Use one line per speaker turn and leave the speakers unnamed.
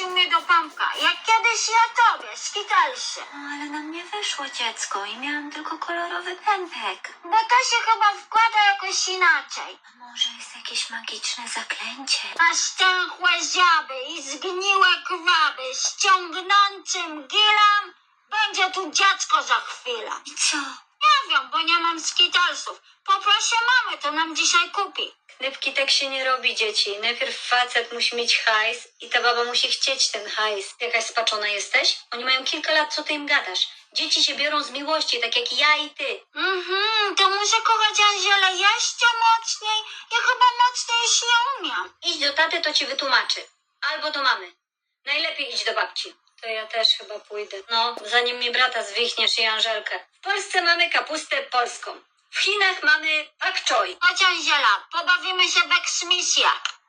wprowadził mnie do Pamka. Jak kiedyś ja tobie, skitalsie.
No, ale nam nie wyszło, dziecko, i miałam tylko kolorowy pępek.
Bo to się chyba wkłada jakoś inaczej.
A może jest jakieś magiczne zaklęcie?
A stęchłe ziaby i zgniłe kwaby z ciągnącym gilem będzie tu dziecko za chwilę.
I co?
Nie wiem, bo nie mam skitalsów. Poproszę mamy, to nam dzisiaj kupi.
Knypki, tak się nie robi, dzieci. Najpierw facet musi mieć hajs i ta baba musi chcieć ten hajs. Jakaś spaczona jesteś? Oni mają kilka lat, co ty im gadasz? Dzieci się biorą z miłości, tak jak ja i ty.
To muszę kochać Anzielę jeszcze mocniej. Ja chyba mocniej już nie umiem.
Idź do taty, to ci wytłumaczy. Albo do mamy. Najlepiej idź do babci. To ja też chyba pójdę. No, zanim mi brata zwichniesz i Anżelkę. W Polsce mamy kapustę polską. W Chinach mamy pak choi.
Chodź Anziela, pobawimy się w eksmisję.